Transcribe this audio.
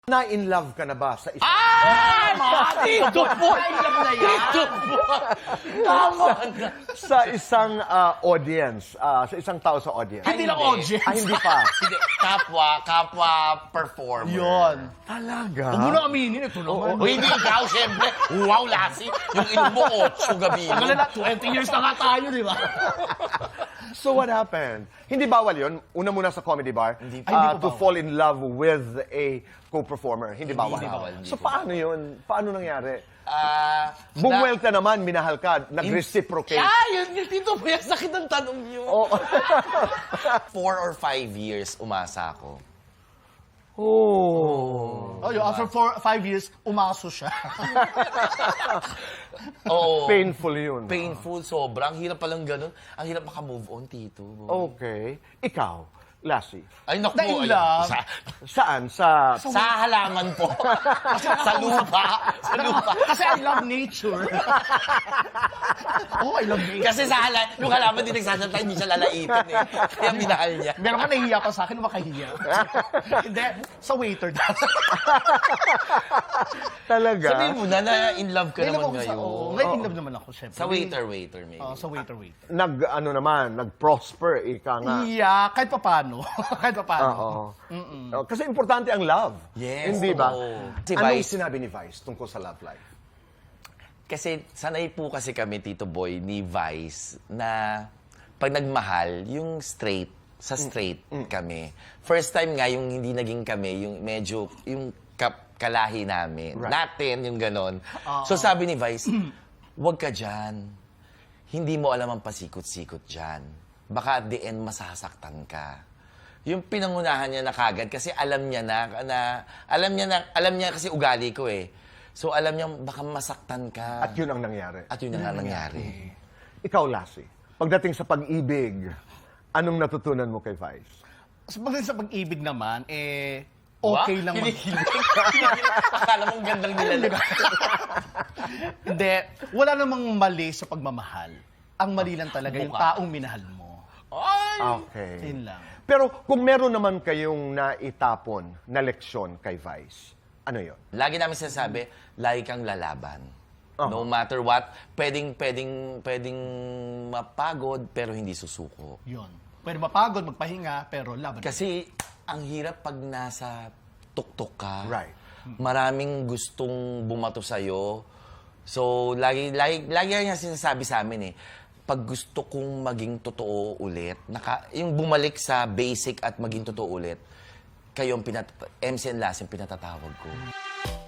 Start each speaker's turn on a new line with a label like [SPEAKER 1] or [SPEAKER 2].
[SPEAKER 1] Na-in love ka na ba sa isang...
[SPEAKER 2] Ito po! Ito po! Tama!
[SPEAKER 1] sa isang audience, sa isang tao sa audience?
[SPEAKER 2] Hindi lang audience.
[SPEAKER 1] Hindi pa.
[SPEAKER 3] Hindi, kapwa performer.
[SPEAKER 2] Yun.
[SPEAKER 1] Talaga?
[SPEAKER 2] Huwag mo na aminin, ito naman.
[SPEAKER 3] O hindi ikaw, siyempre. Wow, Lassie. Yung inom mo, 8 gabi.
[SPEAKER 2] Tagal na, 20 years na nga tayo, di ba?
[SPEAKER 1] So what happened? Hindi bawal yun? Una muna sa comedy bar?
[SPEAKER 3] Hindi
[SPEAKER 1] To fall in love with a co-performer. Hindi bawal?
[SPEAKER 3] bawal,
[SPEAKER 1] So paano yun? Paano nangyari?
[SPEAKER 3] Bumwell.
[SPEAKER 1] Bumwelta naman, minahal ka, nag-reciprocate.
[SPEAKER 3] Yun, dito po yung sakit ng tanong niyo.
[SPEAKER 1] Oh.
[SPEAKER 3] 4 or 5 years umasa ako.
[SPEAKER 1] Oh.
[SPEAKER 2] Oh, after 5 years, umaso siya.
[SPEAKER 3] Oo.
[SPEAKER 1] Painful yun.
[SPEAKER 3] Painful, sobrang. Hirap palang ganun. Ang hirap maka-move on, Tito.
[SPEAKER 1] Okay. Ikaw, Lassie,
[SPEAKER 3] Ay, naku.
[SPEAKER 2] Na in
[SPEAKER 3] ayun.
[SPEAKER 2] love.
[SPEAKER 1] saan? Sa...
[SPEAKER 3] Sa halaman po. Sa lupa. Sa lupa.
[SPEAKER 2] Kasi I love nature. Oh, I love nature.
[SPEAKER 3] Kasi sa yung halaman din nagsasalita, hindi siya lalaitin eh. Kaya minahal niya.
[SPEAKER 2] Meron ka nahihiya pa sa akin, makahiya. Hindi, sa waiter daw.
[SPEAKER 1] Talaga?
[SPEAKER 3] Sabihin mo na in love ka naman ngayon.
[SPEAKER 2] Ngayon in love naman ako, syempre.
[SPEAKER 3] Sa waiter maybe.
[SPEAKER 2] Sa waiter.
[SPEAKER 1] Nag-prosper, ika nga.
[SPEAKER 2] Yeah, kahit pa paano. Kahit pa paano.
[SPEAKER 1] Oo. Kasi importante ang love.
[SPEAKER 3] Yes,
[SPEAKER 1] Hindi ba?
[SPEAKER 3] oo. Si
[SPEAKER 1] Anong
[SPEAKER 3] Vice-
[SPEAKER 1] sinabi ni Vice tungkol sa love life?
[SPEAKER 3] Kasi sanay po kasi kami, Tito Boy, ni Vice, na pag nagmahal, yung straight, sa straight kami. First time nga, yung hindi naging kami, yung medyo, yung kalahi namin.
[SPEAKER 1] Right.
[SPEAKER 3] Natin, yung ganon. So sabi ni Vice, huwag ka dyan. Hindi mo alam ang pasikot-sikot dyan. Baka at the end, masasaktan ka. Yung pinangunahan niya na kagad kasi alam niya alam niya kasi ugali ko eh. So alam niya baka masaktan ka.
[SPEAKER 1] At yun ang nangyari.
[SPEAKER 3] At yun ang nangyari.
[SPEAKER 1] Ikaw, Lassie, pagdating sa pag-ibig, anong natutunan mo kay Vice?
[SPEAKER 2] Pagdating sa pag-ibig naman, okay lang.
[SPEAKER 3] Akala mong gandang nilalag.
[SPEAKER 2] Hindi, wala namang mali sa pagmamahal. Ang mali lang talaga yung taong minahal mo.
[SPEAKER 3] Ay!
[SPEAKER 1] Okay.
[SPEAKER 2] Yun lang.
[SPEAKER 1] Pero kung meron naman kayong naitapon na leksyon kay Vice, ano yun?
[SPEAKER 3] Lagi namin sinasabi, lagi kang lalaban. No matter what, pwedeng mapagod pero hindi susuko.
[SPEAKER 2] Yun. Pwede mapagod, magpahinga, pero laban.
[SPEAKER 3] Kasi ang hirap pag nasa tuktok ka.
[SPEAKER 1] Right.
[SPEAKER 3] Maraming gustong bumato sa'yo. So, lagi niya sinasabi sa amin eh, pag gusto kong maging totoo ulit, yung bumalik sa basic at maging totoo ulit, kayo ang MC and Lassie ang pinatatawag ko.